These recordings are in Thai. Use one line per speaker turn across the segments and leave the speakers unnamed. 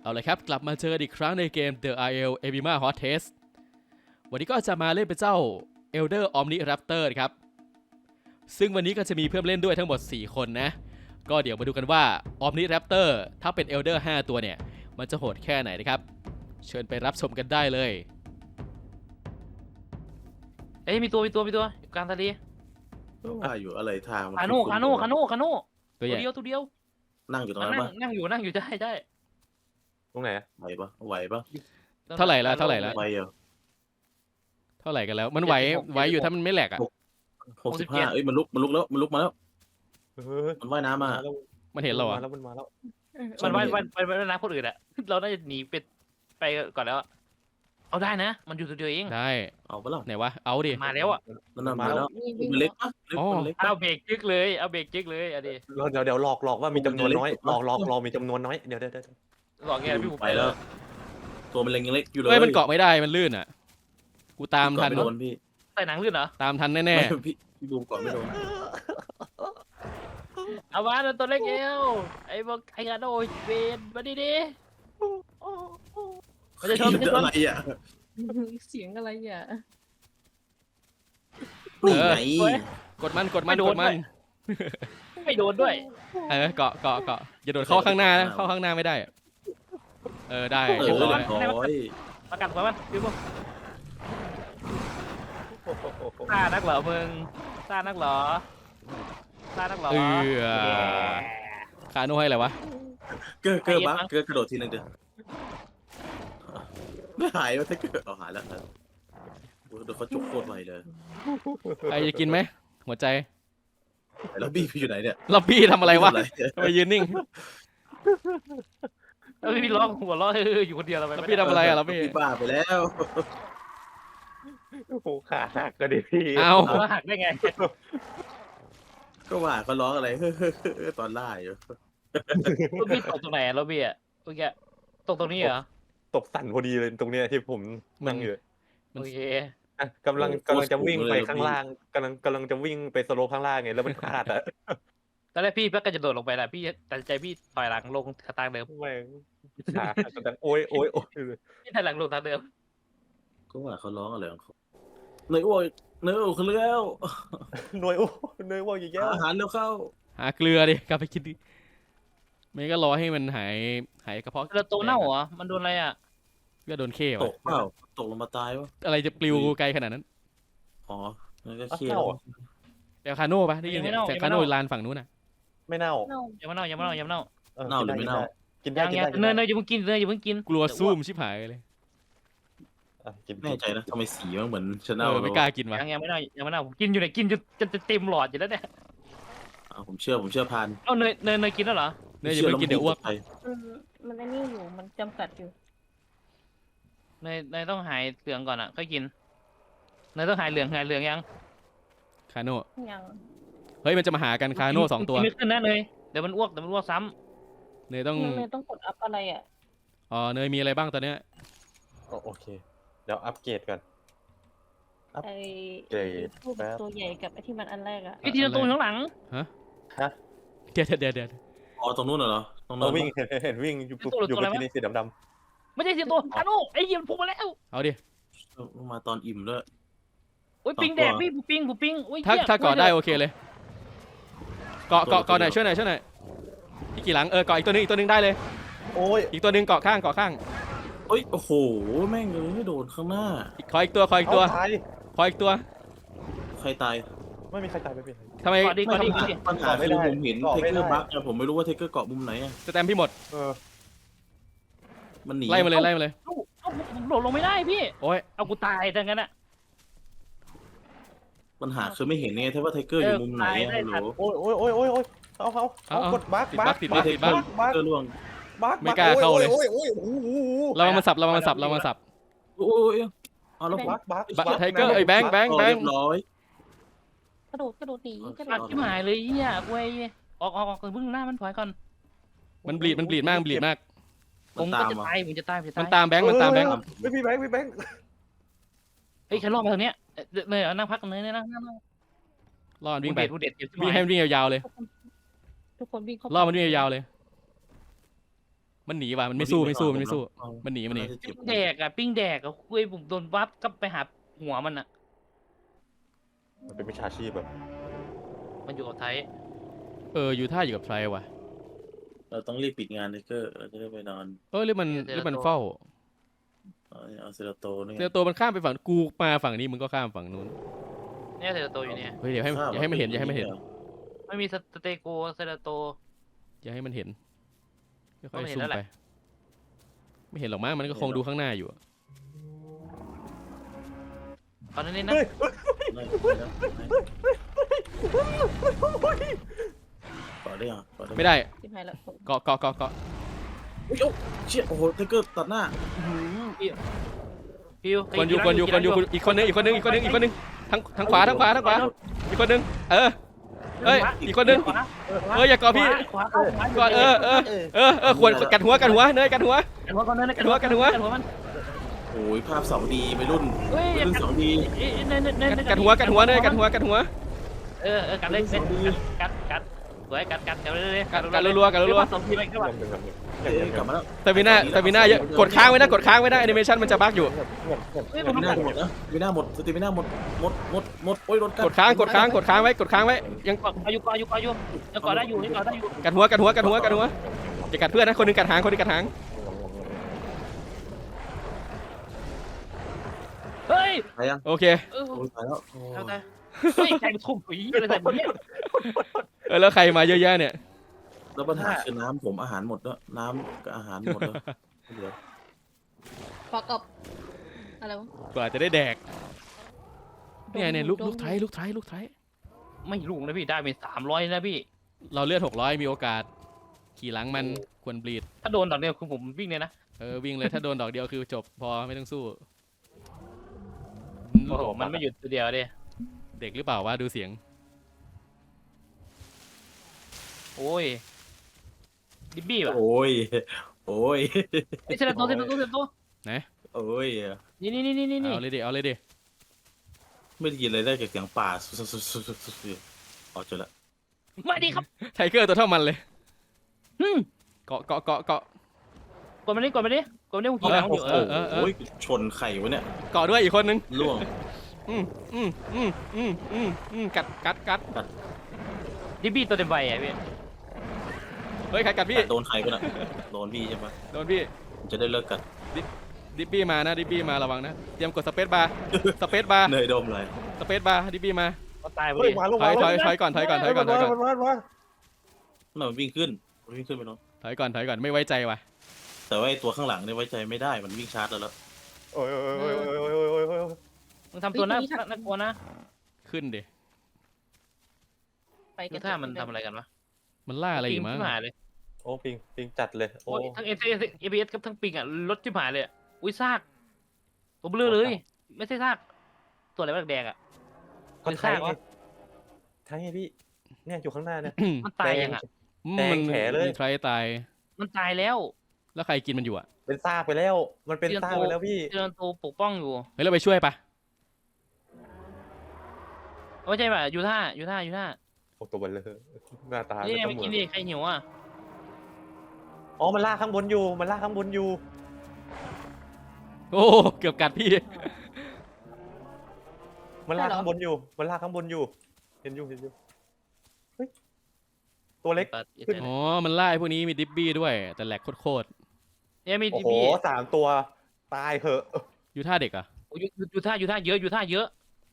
เอาเลยครับกลับมาเจออีกครั้งในเกม The IL Ebima Hot Test วันนี้ก็จะมาเล่นเป็นเจ้า Elder Omniraptor ครับซึ่งวันนี้ก็จะมีเพื่อนเล่นด้วยทั้งหมด4คนนะก็เดี๋ยวมาดูกันว่า Omniraptor ถ้าเป็น Elder 5 ตัวเนี่ยมันจะโหดแค่ไหนนะครับเชิญไปรับชมกันได้เลย
เอ้ยมีตัวอยู่กลางทะเล
ว่าอยู่อะไรทาง
คาโน่
ตัวใหญ่
เดียว
นั่งอยู่ตรงนั้นปะ
นั่งอยู่ได้
ตรงไหน
ไหวปะ
เท่าไหร่ละ
ไหวเหรอ
เท่าไหร่กันแล้วมันไหวอยู่ถ้ามันไม่แหลกอ่ะ
65เอ้ยมันลุกแล้วมันลุกมาแล้วมันว่ายน้ำมา
มันเห็นเราอ่ะ
มันมาแล้ว
มันไปน้ำคนอื่นอะเราน่าจะหนีไปก่อนแล้วเอาได้นะมันอยู่ตัวเดียวเอง
ได้
เอาปะล่ะ
ไหนวะเอาดิ
มาแล้วอะ
มันมาแล้วมันเล็กปะมันเล็ก
เอาเบรกจึ๊กเลยเอาเบรกจึ๊กเลยอะดิ
เดี๋ยวหลอกว่ามีจำนวนน้อยหลอกมีจำนวนน้อยเดี๋ยว
หลอกไงพี่ผม
ไปแล้วตัวมันเล็กยังเล็กอยู่เลย
เฮ้ยมันเกาะไม่ได้มันลื่นอ่ะกูตามทัน
ไม่โดนพี่
ใส่หนังลื่นเหรอ
ตามทันแน่
พี่บูมก่อนไม่โดน
เอามาตัวเล็กเอวไอ้บอกไอ้กาโดเวนมาดิมันจะชน
อะไรอ่ะ
เสียงอะไรอ่ะ
นี่ไง
ๆกดมัน
ไม่โดนด้วย
เกาะอย่าโดดเข้าข้างหน้านะเข้าข้างหน้าไม่ได้ได้
เอ
เรียบร้อย
ร้อย
ประกันของมันพี่บุ๊คซ่านักเหรอมึงซ่านักเหรอ
คาโน่ให้อะไรวะ
เกอร์บักเกอร์กระโดดทีนึงเดี๋ยวไม่หายวะถ้าเกิดเอาหายแล้วเดี๋ยวเขาจุกโคตรไวเลย
ใครจะกินไหมหัวใจ
แล้วบี้พี่อยู่ไหนเนี่ย
ล็อบบี้ทำอะไรวะทำไมยืนนิ่ง
แล้วพี่ร้องหัวเราะอยู่คนเดียวเราไป
ล็อบบี้ทำอะไรอะล็อบบี้
พี่บ้าไปแล้ว
โอ้โหขาหักก็ดิพี่
เอา
หักได้ไง
ก็ว่าเขาร้องอะไรตอนล่าอยู่
รถบี้ตกตรงไหนรถบี้อ่ะเมื่อกี้ตกตรงนี้เหรอ
ตกสั่นพอดีเลยตรงเนี้ยที่ผมนั่งอยู่
โอเค
กำลังจะวิ่งไปข้างล่างกำลังจะวิ่งไปสโลปข้างล่างไงแล้วมันพลาดอะ
ตอนแรกพี่ก็จะโดดลงไปแหละพี่ตัดใจพี่ถอยหลังลงทางเดิม
แม่งขาหักดังโอ้ย
พี่ถอยหลังลงทางเดิม
ก็ว่าเขาร้องอะไรของเขาเนยอ้วยเนยอ้วยเขาเลี้ยว
หน่วยว่าอย่างเงี้ย
อาหารเร็วเข้า
หาเกลือดิกลับไปกินดิไม่ก็รอให้มันหายกระเพาะ
แล้วตัวเน่าเหรอมันโดนอะไรอ่ะ
ก็โดนเข้
ต
วะ
กเปล่าตกลงมาตายวะ
อะไรจะปลิวไกลขนาดนั้น
อ๋อนั่นก็เคี้ยว
แต่คาโน่ปะได้ยินแต่คาโน่ลานฝั่งนู้นน่ะ
ไม่เน่า
อย่ามาเน่ากินได้
เน่าหรือไม่เน่า
กินได้
เนยอย่าเพิ่งกินอย่าเพิ่งกิน
กลัวซูมชิบหายเลย
กิน
แน่ใจนะทำไมสีมันเหมือนชาแนล
ไม่กล้ากินวะ
ยังไม่เน่าผมกินอยู่เนี่ยกินจะเต็มหลอดอยู่แล้วเนี่ย
ผมเชื่อพาน
เอาเนยกินแล้วเหรอ
เนี่ยอย่าเพิ่งกินเดี๋ยวอ้วก
มันไอ้นี่อยู่มันจำกัดอยู่
เนยต้องหายเหลืองก่อนอ่ะค่อยกินเนยต้องหายเหลืองยัง
คาโน่
ยัง
เฮ้ยมันจะมาหากันคาโน่2 ตัว
ไม่ขึ้นนะเนยเดี๋ยวมันอ้วกซ้ำ
เนยต้อง
มันต้องกดอัพอะไรอ่ะ
เนยมีอะไรบ้างตอนเนี้ย
โอเคเดี๋ยวอัปเกรดก่อน
ไอ้
เกรด
พวกตัวใหญ่กับไอ้ที่มันอันแรกอ่ะ
ไอ้ทีละตัวข้างหลัง
เดี๋ยว
อ๋อตรงนู้นเหรอตรงนู้
เรา
น
วิ่งเห็นวิ่งอยู่บนที่นี่สีดำ
ไม่ใช่ทีละตัวคาโน่ไอ้เหี้ยมันพุ่งมาแล้ว
เอาดิ
มาตอนอิ่มด้วย
โอ้ยปิงแดกพี่ปิง
ถ้าเกาะได้โอเคเลยเกาะหน่อยช่วยหน่อยพี่กี่หลังเกาะอีกตัวนึงได้เลย
โอ้ย
อีกตัวนึงเกาะข้าง
เอ้ยโอ้โหแม่งเลยโดนข้างหน้า
ขออีกตัว
ตาย
ขออีกตัว
ใครตาย
ไม่มีใครตายไม่เป็นไร
ทำไม
ก่อนดี
ปัญหาคือผมเห็นเทเกอร์บัคผมไม่รู้ว่าเทเกอร์เกาะมุมไหน
สแตมพี่หมด
มันหนี
ไล่มาเลย
ผมโดดลงไม่ได้พี่
โอ้ย
เอากูตายดังนั้นอ่ะ
ปัญหาคือไม่เห็นไงถ้าว่าเทเกอร์อยู่มุมไหนฮัลโหล
โอ้ยเอากดบั๊ก
ติดบั๊ก
เทเกอร์ล่วง
ไม่กล้าเข้าเลย
โอ้ย
เรามาสับ
โอ้ยเอาแล้วผม
บั๊ก
ไทเกอร์ไอ้แบงค์
เรียบร้อย
กระโดดหนีกระโด
อั
ด
ดชิบหายเลยเหี้ยเว้ยออกเพิ่งหน้ามันถอยก่อน
มันบลีดมาก
ผมก็จะตายผมจะตาย
มันตามแบงค์
ไม่มีแบงค์
เฮ้ยใครรอดมาทางเนี้ยเนยนั่งพักเนยนั่ง
รอดวิ่งไป
เด็ด
วิ่งให้มันวิ่งยาวๆเลย
ทุกคนวิ่งเข้า
ล่อมันวิ่งยาวๆเลยมันหนีว่ะมันไม่สู้มันไม่สู้มันหนี
น่าจะเจ็บ
ปิ้งแดกอะปิ้งแดกอะคุยผมโดนวับก็ไปหาหัวมันอะ
มันเป็นวิชาชีพแบบ
มันอยู่กับไทย
อยู่ท่าอยู่กับใครวะ
เราต้องรีบปิดงานไทเกอร์เราจะได้ไปนอน
หรือมันเฝ้า
เอาเซราโตนี่
เซลโตมันข้ามไปฝั่งกูมาฝั่งนี้มึงก็ข้ามฝั่งนู้น
เนี่ยเซราโตอยู่เนี่ย
เฮ้ยอย่าให้มันเห็นอย่าให้มันเห็น
ไม่มีสเตโกเซราโต
อย่าให้มันเห็นค่
ต้
อ
อย ง
ๆ
เห็น
ซูม
แล้วแห
ไป
ละ
ไม่เห็นหรอกมั้งมันก็คงดูข้างหน้าอยู่อะ
ตอนนี้นะ
ต่อได้ยังต่อได้
ไม่ได้
ชิบหายแล้ว
เกาะ
โอ้ยเชี่ยโอ้โหไทเกอร์ตัดหน้า
ฟิว
คนอยู่อีกคนนึงทางขวาอีกคนนึงเอ้ยอีกคนนึงอย่าเกาะพี่
ขวา
ก่อนควรกัดหัวเนยกัดหัว
กันหัวก่อนเลย
กันหัว
มัน
โอ้ยภาพ 2D ไปรุ่น
เฮ้ย
ไปรุ่น 2D
กัดหัวเนยกัดหัว
กัดเลยกัดสวยกัดเลย
กัดรัว
สองทีไปก็ว่า
เอ้ยกลับมาแล้ว
สตามิน่าเยอะกดค้างไว้นะแอนิเมชันมันจะบั๊กอยู่
เฮ้ย
ส
ผม
ติมิน่าหมดนะสติมิน่าหมดสติมิน่าหมดโอ้ยโดน
กดค้างไว้ยัง
อายุยังก่อได้อยู่
กัดหัวอย่ากัดเพื่อนนะคนนึงกัดหาง
เฮ้ย
ตายยัง
โอเค
โอ้ยตายแล้ว
เอาแต่เฮ้ยใจมันทุ่มผีอะไรแบบนี้
แล้วใครมาเยอะแยะเนี่ย
แล้วปัญหาคือน้ำผมอาหารหมดแล้วน้ำกับอาหารหมดแล้วเหลือ
ฟอกกับอะไรวะ
กว่าจะได้แดกเนี่ยลูกไทย
ไม่รู้นะพี่ได้เป็น300นะพี่
เราเลือด600มีโอกาสขี่หลังมันควรบลีด
ถ้าโดนดอกเดียวคือผมวิ่งเลยนะ
วิ่งเลยถ้าโดนดอกเดียวคือจบพอไม่ต้องสู้
โอ้โหมันไม่หยุดตัวเดียวดิ
เด็กหรือเปล่าวะดูเสียง
โอ้ยดิบบี้ป่ะ
โอ้ย
ไอ้เซราโต
โอ้ย
นี่
เอาเลยดิ
ไม่ได้ยินอะไรได้จากเสียงป่าสุดๆอ๋อเจอละ
มาดีครับ
ไทเกอร์ตัวเท่ามันเลยเกาะ
กดมาดิผมขี่หลังอยู่
โอ้ยชนไข่วะเนี่ย
เกาะด้วยอีกคนนึง
ล่วง
กัด
ดิบบี้ตัวเต็มใบอ่ะพี่
เฮ้ยใครกัดพี่
โดนใครวะน่ะโดนพี่ใช่ไหม
โดนพี่
จะได้เลิกกัด
ดิบบี้มาระวังนะเตรียมกดสเปซบาร์
เนยดมเลย
สเปซบาร์ดิบบี้มา
ก็ตายไป
เฮ้ย
ดิ
มาลง
ถอยก่อน
มา
น่ามันวิ่งขึ้นไปเนาะ
ถอยก่อนไม่ไว้ใจว่ะ
แต่ว่าไอ้ตัวข้างหลังเนี่ยไว้ใจไม่ได้มันวิ่งชาร์จแล้ว
โอ้ย
มึงทำตัวน่ากลัวนะ
ขึ้นดิ
ไปกั
ดู
น
ท่ามันทำอะไรกันวะ
มันล่าอะไรอยู่มั้ง
ปิงที่หายเลย
โอ้ปิงจัดเลยโอ้
โอ้ยทั้งAPS กับทั้งปิงอ่ะรถที่หายเลยอุ้ยซากตัวเบลอเลยไม่ใช่ซากตัวอะไรแดงอ่ะ
ก็ใช่ไงพี่เนี่ยอยู่ข้างหน้าเนี่ย
มันตายยังอ่ะ
แดงแผลเลย
มีใครตาย
มันตายแล้ว
แล้วใครกินมันอยู่อ่ะ
เป็นซากไปแล้ว มันเป็นซากไปแล้วพี่
เจอตัวปกป้องอยู่
เฮ้ยเราไปช่วยปะ
ไม่ใช่ป่ะยูท่า
โอ้ตัวเบลเลยหน้าตา
นี่ไง
ก็
ไม่
เหมื
กิ
อน น
ดิใครหิวอ่ะ
อ๋อมันลากข้างบนอยู่
โอ้เกือบกัดพี่
มันลากข้างบนอยู่เห็นอยู่เฮ้ยตัวเล็ก ขึ้น
อ๋อมันล่าไอ้พวกนี้มีดิบบี้ด้วยแต่แหลกโคตร
เนี่ยมี
โอ้
ดิ
โห
บี้
3 ตัวตายเหอะ
อยู่ท่าเด็กอ่ะ
ยูท่าเยอะ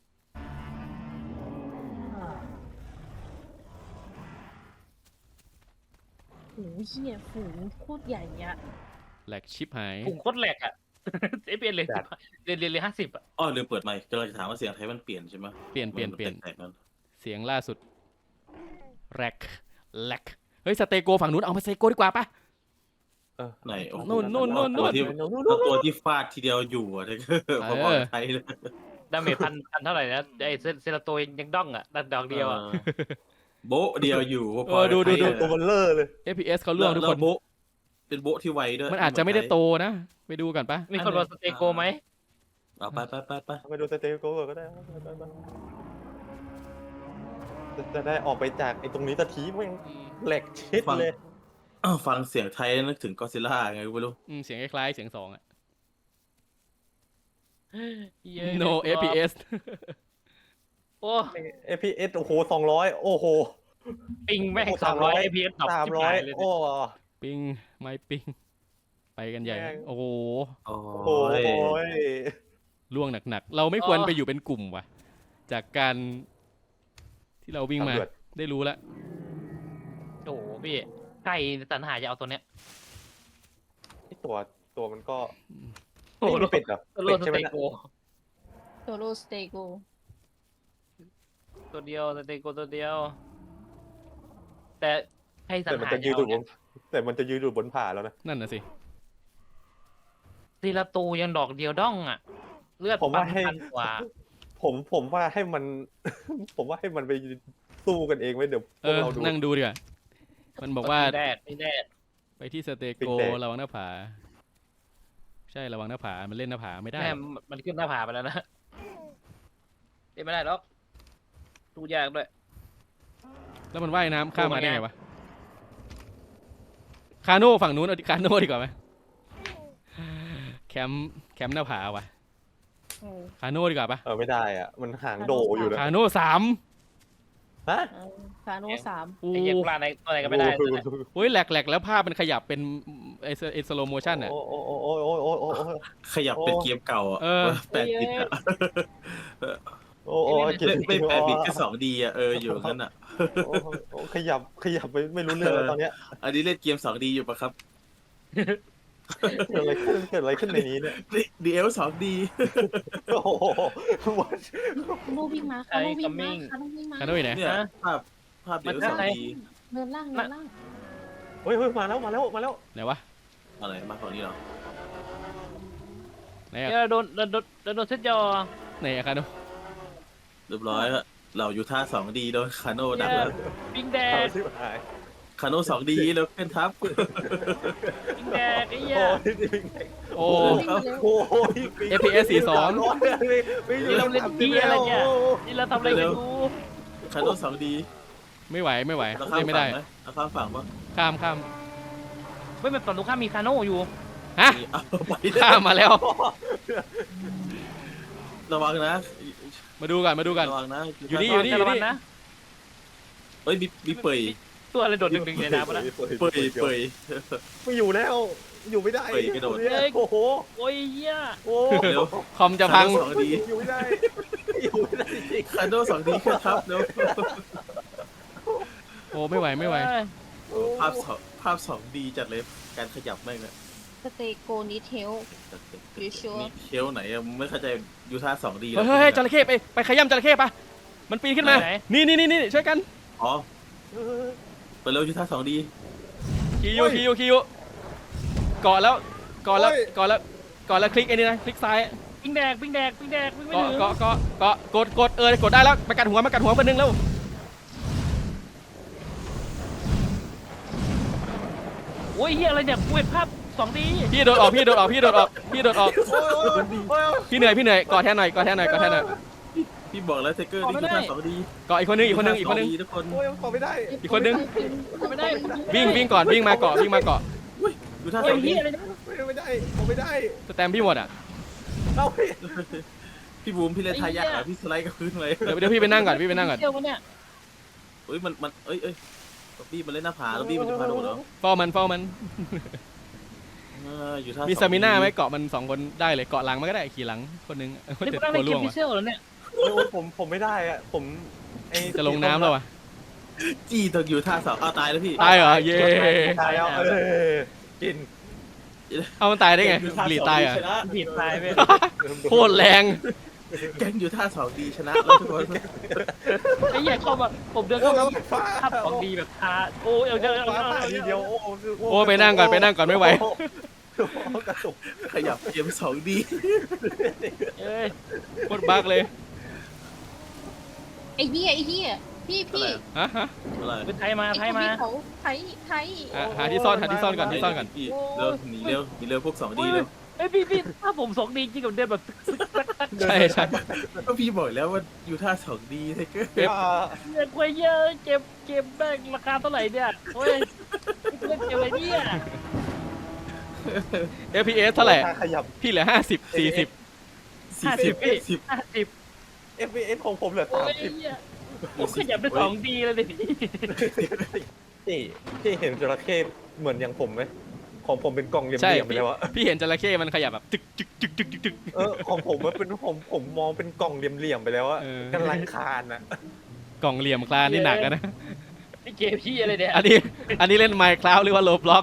โอ้ยเหี้ยฝูงโคตรใหญ่อะ
แหลกชิปหาย
ปุ่มโคตรแหลกอ่ะAPS เลยเลย50อ่ะ
อ้อลืมเปิดไมค์กำลังจะถามว่าเสียงไทยมันเปลี่ยนใช่ไหม
เปลี่ยน
แตกๆนั่น
เสียงล่าสุดแหลกเฮ้ยสเตโกฝั่งนู้นเอามาสเตโกดีกว่าปะ
ไหนโอ้โห
นู่น
ตัวที่ฟาดทีเดียวอยู่อะไทเกอร์พอๆไทยเลย
ดาเมจพันเท่าไหร่นะไอเซราโตยังด้องอ่ะดอกเดียวอ่ะ
โบะเดียวอยู่พอๆ
ดู
ไทยอะ
ตัวเบลเลอร์เลย
FPS เขาล่วงทุกคน
แล้วโบะเป็นโบะที่ไวด้วย
มันอาจจะไม่ได้โตนะไปดูกันปะ
มีคนรอสเตโกไหม
เอาไป
ไปดูสเตโก้ก็ได้จะได้ออกไปจากไอ้ตรงนี้ตะทีแม่งแหลกชิดเลย
อ้าวฟังเสียงไทยนึกถึงก็ซิล่าไงกูไม่รู้
เสียงคล้ายๆเสียง2อ่ะ
เย้ย
no FPS
โอ้
FPS โอ้โห200โอ้โห
ปิงแม่ง
โอ้
300
300
FPS ดรอปชิบ
300
หายเลย
โอ้
ปิงไม่ปิงไปกันใหญ่
แม่ง
โอ้โห
โอ้
โห
ย
ล่วงหนักๆ เราไม่ควรไปอยู่เป็นกลุ่มว่ะ จากการที่เราวิ่งมา
ตำรวจ
ได้รู้แล้ว
โอ้โหพี่ใครสรรหาจะเอาตัวเนี้ย
ไอ้ตัวมันก็
โอ้โห
ไม่เป็ดเหรอ
โล
เป็ด
ส
ใช่ไหม
เต
นะ
โก
โซโลสเตโก
ตัวเดียวสเตโกตัวเดียว แต่ใครสร
แต่
ร
มัน
หา
จะยื
จะ
น
เอา
อยู่บ
เนี่ย
นแต่มันจะยืนอยู่บนผาแล้วนะ
นั่นน่ะสิ
ทีละตูยังดอกเดียวด้องอ่ะ เลือด
ผมว่าให้
พันกว่า
ผมว่าให้มัน ผมว่าให้มันไปสู้กันเองไว้เดี๋ยวพ
เอ
วก
อ
เราดู
นั่งดูดีกว่า มันบอกว่า
ไม่แน่
ไปที่สเต
ปิ
โก
งแดง
ระวังหน้าผา ใช่ระวังหน้าผา มันเล่นหน้าผาไม่ได้
แม่มันขึ้นหน้าผาไปแล้วนะเล่นไม่ได้หรอกดูยากด้วย
แล้วมันว่ายน้ำข้ามมาได้ไงวะ คาโน่ฝั่งนู้นเอาคาโน่ดีกว่าไหมแคมป์หน้าผาวะคาโน่ดีกว่าปะ
ไม่ได้อ่ะ มันหางโดอยู่นะ
คาโน่3
ฮะ
ฟาโนสาม
โอ้
ไอ้เหี้ยังปลาในตัวไหนก็ไม่ได้เลยนะ
โหแหลกแล้วภาพมันขยับเป็นไอสโลโมชั่นอ่ะ
โอ้โอ้โอ้โอ้โอ้โอ้โอ้โอ้
ขยับเป็นเกมเก่าอ่ะ
เออ
8 บิตอ่ะ
โอ้โอ้
ไม่8 บิตแค่2Dอ่ะอยู่งั้นอ่ะ
ขยับไปไม่รู้เรื่องแล้วตอนเนี้ย
อันนี้เล่นเกม 2D อยู่ปะครับ
เกิดอะไรขึ้นในนี้เนี่ย
DL 2D
โอ้โห
คาโนวิ่งมาคาโนวิ่งมาคาโนวิ่งมา
คาโน่อยู่ไหน
เนี่ยภาพ DL 2D
เนินล่างเนินล่าง
เฮ้ยมาแล้ว
ไหนวะ
อะไรมาฝั่งนี้เหรอ
ไหนอะ
เนี่ยโดนเซตยอ
ไหนอะคาโน่
เรียบร้อยแล้วเราอยู่ท่า 2D โดนคาโน่ดักแล้ว
ปิงแด
เอา
ก
สิหาย
คาโน่ 2D แล้วเป็นทับ
ปิงแดกไอ้เหี้ย
โอ้
โอ้โห
FPS 42
นี่เราเล่นที่อะไรเนี่ยนี่เราทำอะไรกันดู
คาโน่ 2D
ไม่ไหว
เรา
เล่
ข้าม
นไม่
ฝั่
ได้
งไหมเราข้ามฝั่งปะ
ข้าม
ไม่เป็นฝั่งตรงข้ามมีคาโน่อยู่
ฮะ
เอาไป
ข้ามมาแล้ว
ระวังนะ
มาดูกัน
ระวังนะ
อยู่นี่
แต่ละวันนะ
เฮ้ยมีเปย
ตัวอะไรโดดดึงๆในน้ำวะนะ
เปย
ไม่อยู่แล้ว อยู่ไม่ได้
เฮ้ยกระโดด
โอ้โห
โอ้ยเหี้ย
โอ้
เร็ว
คอมจะพัง
คาโน่ 2D
อยู่ไม่ได้จริง
คาโน่ 2D ขึ้นทับเร็ว
โอ้ไม่ไหว
ภาพ 2D จัดเลยการขยับแม่งอะ
สเตโกนิเทล You sure?
นี่เชลไหนอะมึงไม่เข้าใจยูท่า 2D
เฮ้ยจระเข้ไปขย้ำจระเข้ปะมันปีนขึ้นมา นี่ช่วยกัน
อ๋อไปเร็วยูท่า 2D
คิวเกาะแล้วคลิกไอ้นี่นะคลิกซ้าย
ปิงแดกวิ่งไม่ถึง
เกาะกดกดได้แล้วมากัดหัวเพื่อนนึงแล้ว
โอ้ยเหี้ยอะไรเนี่ยกูเห็นภาพ 2D
พี่โดดออกพี่เหนื่อยเกาะแทนหน่อย
พี่บอกแล้วเทเกอร์นี่คือท่า 2D
เกาะอีกคนนึง
ท่า 2D ทุกคน
โอ้ยขอไม่ได้
อีกคนนึง
ไม่ได้
วิ่งก่อนวิ่งมาเกาะ
ยูท่า
โอ้ย
2D
เหี้ยอะไรเนี่ย
ไม่ได้ผมไม่ได้
สแตมพี่หมดอ่ะ
เอา
พี่บูมพี่เล่นทายากเหรอพี่สไลด์กับพื้นเลย
เดี๋ยวพี่ไปนั่งก่อน
เที่ยววะเนี่ย
เฮ้ยมันเอ้ยล็อบบี้มันเล่นหน้าผาล็อบบี้มันจะพาโดดเหรอ
เฝ้ามัน
อยู่ท่า
มี
2D
สมิน่าไหมเกาะมัน2คนได้เลยเกาะหลังมันก็ได้ขี่หลังคนนึง
นี่
เจ็
กู
บ
นั่ง
ตั
ใน
ว
เก
ล่ว
ม
ง
พิ
ว่ะ
เซลแล้วเนี่ย
ผมไม่ได้อะผมไอ้
จะลงน้ำแล้วว่ะ
จี้ต้องอยู่ท่า2เอาตายแล้วพี่
ตายเหรอเย้
ตายแล้วกิน
เอามันตายได้ไง
อยู่ท่า
หลี
2D
ตายเหรอ่ะ
ชนะ
ผิดตายไป
โคตรแรง
แกงอยู่ท่า 2D ชนะแล้วทุกคน
ไอ้เหี้ยเข้ามาผมเดินเข้ามาภาพ 2D แบบทาโอ้ยเอาเดี๋ยว
ฟ้าผ่าทีเดียวโอ้
โอ้ไปนั่งก่อนไม่ไหว
กระตุก
ขยับเกม 2D
เอ้ย
โคตรบักเลย
ไอ้เหี้ยพี่
ฮะ
อะไร
เป็นไทยมา
ไอ้เขาไทย
หาที่ซ่อนก่อน
พี่เร็วหนีเร็วพวก 2D เร็ว
เอ้ยพี่ถ้าผม 2D จริงกับเดินแบบ
ใช่
ก็พี่บอกแล้วว่าอยู่ท่า 2D ไทเกอร์
เงินกวยเยอะเก็บแม่งราคาเท่าไหร่เนี่ยโอ้ยเล่นเกมอะไรเนี่ย
FPS เท่าไหร่
ถ้ขยับ
พี่เหลือ50 40
50พี่
40
50
FPS ของผมเหลือ
โอ้ยเหี้ยผมขยับได้2 D เลยดิ
30พี่เห็นจระเข้เหมือนอย่างผมไหมของผมเป็นกล่องเหลี่
ใช่
ยมๆไปแล้วอะ
พี่เห็นจระเข้มันขยับแบบตึกจึกจึกจึกจึกจึก
ของผมมันเป็นผมมองเป็นกล่องเหลี่ยมๆไปแล้วอะ
เออ
กำลังคานอะ
กล่องเหลี่ยมคลานนี่หนักอะนะ
นี่เกมพี่อะไรเนี่ย
อันนี้เล่น Minecraft หรือว่า Roblox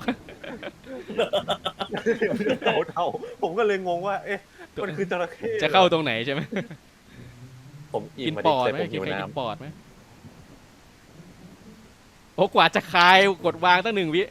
เท่าผมก็เลยงงว่า เอ๊ะมันคือจระเข้
จะเข้าตรงไหนใช่ไหม
ผมอิ่
กิ
ม
น
มา
ป
ดิ
อด
แต่
ไหม
ผม
กิ
หิ
น
ว
ใครกิน
น้ำ
ปอดไหมโอ้กว่าจะคายกดวางตั้ง1 วิ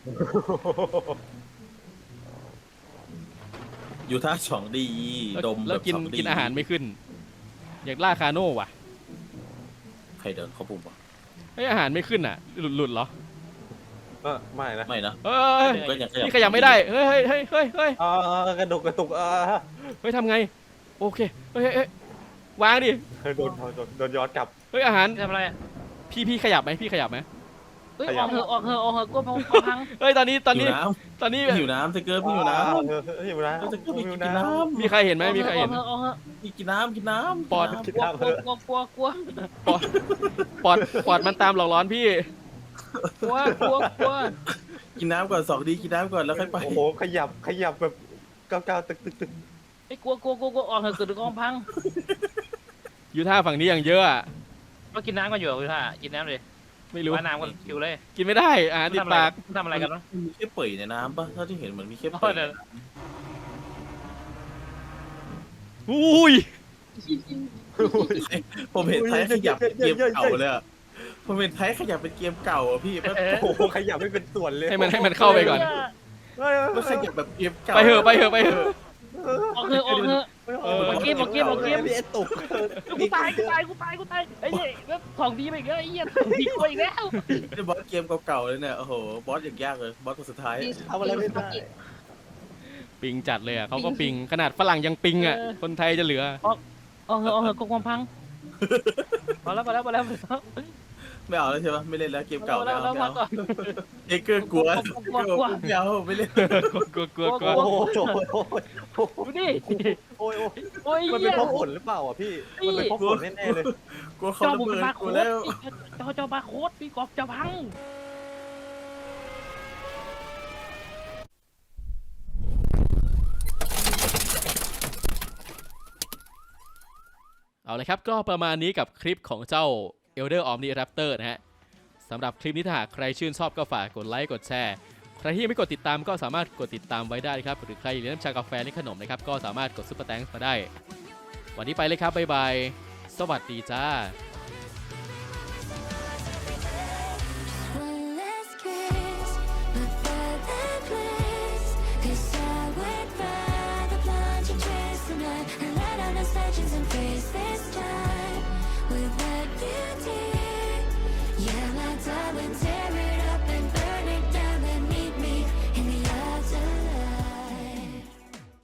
อยู่ท่าสองดี ดม
แล้ว
แบบ
กิน
สองดี
กินอาหารไม่ขึ้น อยากล่าคาโน่ว่ะ
ใครเดินเข้าปุ่มวะ
เฮ้ยอาหารไม่ขึ้นอ่ะ หลุดเหรอ
ไม่นะ
ไม่นะ
เฮ้ย
ผมก็ยัง
นี่ขยับไม่ได้เฮ้ยเฮ้ยเฮ้ยเฮ้ย
กระตุก
เฮ้ยทำไงโอเคเฮ้ยเฮ้ยวางดิ
โดนย้อนกลับ
เฮ้ยอาหาร
ทำอะไรอ่ะ
พี่ขยับไหมพี่ขยับไหม
เฮ้ยออกเถอะกลัวพัง
เฮ้ยตอนนี้
หิวน้ หิวน้ำสเกิร์ตพี่หิวน้
หิวน้
ำสเกิร์ตพี่กินน้
มีใครเห็นไหมมีใครเห็น
ออกเถอะ
ำพี่กินน้ำกินน้ำ
ปอด
กินน้
กลัว
ปอดมันตามหลอกร้อนพี่
กลัว
ำกินน้ำก่อน2 ดีกินน้ำก่อนแล้วค่อยไป
โอ้โหขยับแบบก้าวตึก
ไอ้กลัวออกเถอะเกิดกองพัง
ยูท่าฝั่งนี้อย่างเยอะอะ
ก็กินน้ำกันอยู่พี่ท่ากินน้ำเลย
ไม่รู้
ว่าน้ำกันคิวเลย
กินไม่ได้อาหารติดปาก
ทำอะไรกันวะ
มีแค่เปื่อยในน้ำปะเท่าที่เห็นเหมือนมีแค่
อ๋
เปื่
อ
อย
เดี๋ยว
อุ้ย
ผมเห็นไทยขยับเป็นเกมเก่าเลยอะผมเห็นไทยขยับเป็นเกมเก่าอะพี่มัน
โอ้โหขยับไม่เป็นส่วนเลย
ให้มันเข้าไปก่อน
มันขยับแบบเกมเก่า
ไปเถอะ
ออกเถอะบอกเกม
พี่ไอ้ตุก
กูตายไอ้เหี้ยแล้ว2 Dไปอีกแล้วไอ้เหี้ย2 D กว่าอีกแล้ว
บอสเกมเก่าๆเลยเนี่ยโอ้โหบอสอย่างยากเลยบอสตัวสุดท้าย
ทำอะไรไม่ได้
ปิงจัดเลยอ่ะเขาก็ปิงขนาดฝรั่งยังปิงอ่ะคนไทยจะเหลือ
ออกเถอะกองพังพอแล้ว
ไม่เอาแล้วใช่ปะไม่เล่นแล้วเกมเก่าไม่เอาไม่
พั
เอา
ก่อน
เอเกอร์กลัวไม่เอาไม่เล่น
กลัว
โอ้โห
ดูดิ
โอ้ย
โอ้ย
มัน
เหี้
เป็น
ย
เพราะฝนหรือเปล่าอ่ะพี่มันเป็นเพราะฝนแน่ๆเลย
กลัวเขา
เจ้า
ระ
บุก
เบิด
บาร์
ก
โค้
ลัว
ด
แล้ว
เจ้าบาร์โค้ดพี่กอบจะพัง
เอาเลยครับก็ประมาณนี้กับคลิปของเจ้า Elder Omniraptor นะฮะสำหรับคลิปนี้ถ้าหากใครชื่นชอบก็ฝากกดไลค์กดแชร์ใครที่ยังไม่กดติดตามก็สามารถกดติดตามไว้ได้ครับหรือใครอยากเลี้ยงน้ำชากาแฟและขนมนะครับก็สามารถกดซุปเปอร์แตงมาได้ วันนี้ไปเลยครับบ๊ายบายสวัสดีจ้า